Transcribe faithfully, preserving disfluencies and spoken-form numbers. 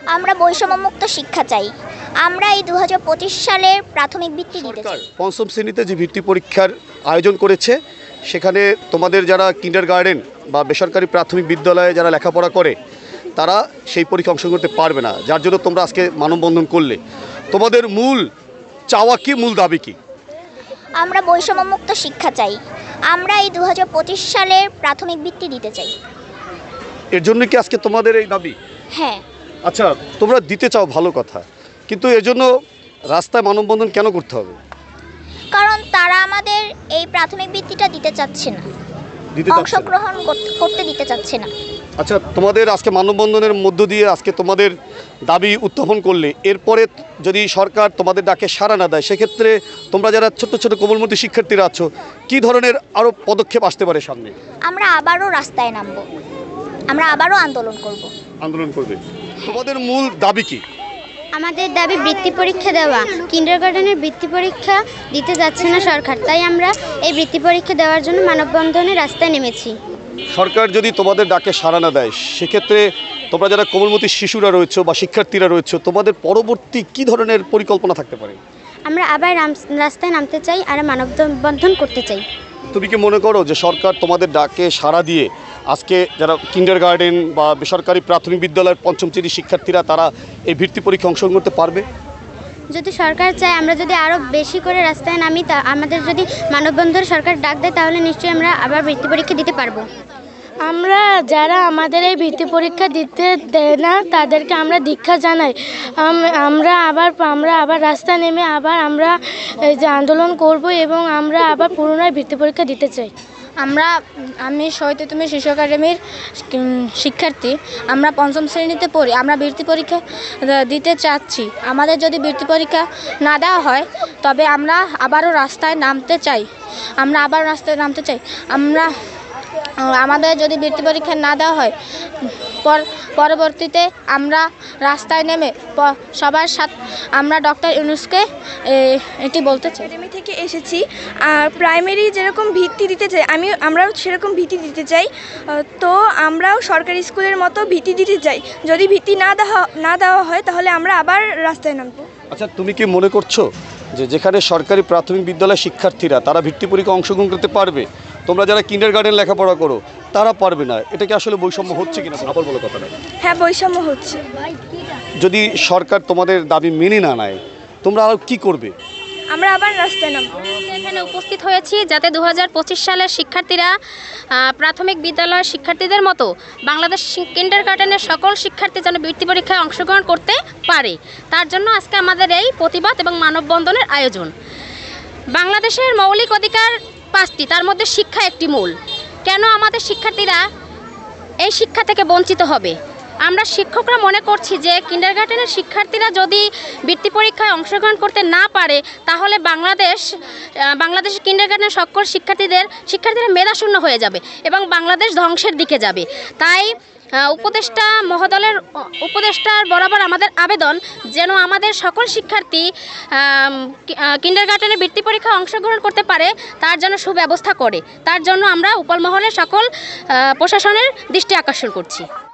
আমরা বৈষম্যমুক্ত শিক্ষা চাই। আমরা এই দু হাজার পঁচিশ সালের প্রাথমিক বৃত্তি দিতে চাই। পঞ্চম শ্রেণীতে যে বৃত্তি পরীক্ষার আয়োজন করেছে, সেখানে তোমাদের যারা কিন্ডার গার্ডেন বা বেসরকারি প্রাথমিক বিদ্যালয়ে যারা লেখাপড়া করে তারা সেই পরীক্ষা অংশগ্রহণ করতে পারবে না, যার জন্য তোমরা আজকে মানববন্ধন করলে। তোমাদের মূল চাওয়া কি, মূল দাবি কি? আমরা বৈষম্যমুক্ত শিক্ষা চাই। আমরা এই দু হাজার পঁচিশ সালের প্রাথমিক বৃত্তি দিতে চাই। এর জন্য কি আজকে তোমাদের এই দাবি? হ্যাঁ। আচ্ছা, তোমরা দিতে চাও, ভালো কথা, কিন্তু এর জন্য রাস্তায় মানববন্ধন কেন করতে হবে? কারণ তারা আমাদের এই প্রাথমিক বৃত্তিটা দিতে চাচ্ছে না, দিতে চাচ্ছে না। অংশগ্রহণ করতে- করতে দিতে চাচ্ছে না। আচ্ছা, তোমাদের আজকে মানববন্ধনের মধ্য দিয়ে আজকে তোমাদের দাবি উত্থাপন করলে, এরপরে যদি সরকার তোমাদের ডাকে সাড়া না দেয়, সেক্ষেত্রে তোমরা যারা ছোট ছোট কোমলমতি শিক্ষার্থীরা আছো, কী ধরনের আরও পদক্ষেপ আসতে পারে সামনে? আমরা আবারও রাস্তায় নামবো, আমরা আবারও আন্দোলন করব। আন্দোলন করবে। তোমাদের মূল দাবি কি? আমাদের দাবি বৃত্তি পরীক্ষা দেওয়া। কিন্ডারগার্টেনের বৃত্তি পরীক্ষা দিতে যাচ্ছে না সরকার, তাই আমরা এই বৃত্তি পরীক্ষা দেওয়ার জন্য মানববন্ধনে রাস্তায় নেমেছি। সরকার যদি তোমাদের ডাকে সাড়া না দেয়, সেক্ষেত্রে তোমরা যারা কোমলমতি শিশুরা রয়েছে বা শিক্ষার্থীরা রয়েছে, তোমাদের পরবর্তী কী ধরনের পরিকল্পনা থাকতে পারে? আমরা আবার রাম- রাস্তায় নামতে চাই আর মানববন্ধন করতে চাই। তুমি কি মনে করো যে সরকার তোমাদের ডাকে সাড়া দিয়ে আজকে যারা কিন্ডার গার্ডেন বা বেসরকারি প্রাথমিক বিদ্যালয়ের পঞ্চম শ্রেণীর শিক্ষার্থীরা তারা এই বৃত্তি পরীক্ষা অংশগ্রহণ করতে পারবে? যদি সরকার চায়, আমরা যদি আরও বেশি করে রাস্তায় নামি, তা আমাদের যদি মানববন্ধন সরকার ডাক দেয়, তাহলে নিশ্চয়ই আমরা আবার বৃত্তি পরীক্ষা দিতে পারবো। আমরা যারা আমাদের এই বৃত্তি পরীক্ষা দিতে দেয় না তাদেরকে আমরা দীক্ষা জানাই। আম- আমরা আবার আমরা আবার রাস্তা নেমে আবার আমরা এই যে আন্দোলন করব এবং আমরা আবার পুনরায় বৃত্তি পরীক্ষা দিতে চাই। আমরা আমি শহীদ তুমি শিশু একাডেমির শিক্ষার্থী। আমরা পঞ্চম শ্রেণীতে পড়ি। আমরা বৃত্তি পরীক্ষা দিতে চাচ্ছি। আমাদের যদি বৃত্তি পরীক্ষা না দেওয়া হয়, তবে আমরা আবারও রাস্তায় নামতে চাই। আমরা আবার রাস্তায় নামতে চাই। আমরা আমাদের যদি বৃত্তি পরীক্ষা না দেওয়া হয়, পর পরবর্তীতে আমরা রাস্তায় নেমে প- সবার সাথে আমরা ডক্টর ইউনূসকে এটি বলতে চাই। একাডেমি থেকে এসেছি। আর প্রাইমারি যেরকম ভিত্তি দিতে চাই, আমি আমরাও সেরকম ভিত্তি দিতে চাই। আহ, তো আমরাও সরকারি স্কুলের মতো ভিত্তি দিতে চাই। যদি ভিত্তি না দেওয়া না দেওয়া হয়, তাহলে আমরা আবার রাস্তায় নামবো। আচ্ছা, তুমি কি মনে করছো যে যেখানে সরকারি প্রাথমিক বিদ্যালয়ের শিক্ষার্থীরা তারা বৃত্তি পরীক্ষা অংশগ্রহণ করতে পারবে, তোমরা যারা কিন্ডার গার্ডেন লেখাপড়া করো তারা পারবে না? এটা কি আসলে বৈষম্য হচ্ছে কিনা? আপর বলো কথাটা। হ্যাঁ, বৈষম্য হচ্ছে। যদি সরকার তোমাদের দাবি মেনে না নেয়, তোমরা আর কি করবে? আমরা আবার রাস্তায় নামবো। এখানে উপস্থিত হয়েছি যাতে দু হাজার পঁচিশ সালের শিক্ষার্থীরা আহ, প্রাথমিক বিদ্যালয়ের শিক্ষার্থীদের মতো বাংলাদেশ কিন্ডার গার্ডেনের সকল শিক্ষার্থী যেন বৃত্তি পরীক্ষায় অংশগ্রহণ করতে পারে, তার জন্য আজকে আমাদের এই প্রতিবাদ এবং মানববন্ধনের আয়োজন। বাংলাদেশের মৌলিক অধিকার পাঁচটি, তার মধ্যে শিক্ষা একটি মূল। কেন আমাদের শিক্ষার্থীরা এই শিক্ষা থেকে বঞ্চিত হবে? আমরা শিক্ষকরা মনে করছি যে কিন্ডারগার্টেনের শিক্ষার্থীরা যদি বৃত্তি পরীক্ষায় অংশগ্রহণ করতে না পারে, তাহলে বাংলাদেশ বাংলাদেশের কিন্ডারগার্টেনের সকল শিক্ষার্থীদের শিক্ষার্থীরা মেধাশূন্য হয়ে যাবে এবং বাংলাদেশ ধ্বংসের দিকে যাবে। তাই আহ, উপদেষ্টা মহোদয়ের উপদেষ্টার বরাবর আমাদের আবেদন যেন আমাদের সকল শিক্ষার্থী কিন্ডারগার্টেনের বৃত্তি পরীক্ষায় অংশগ্রহণ করতে পারে, তার জন্য সুব্যবস্থা করে। তার জন্য আমরা উপর মহলের সকল আহ, প্রশাসনের দৃষ্টি আকর্ষণ করছি।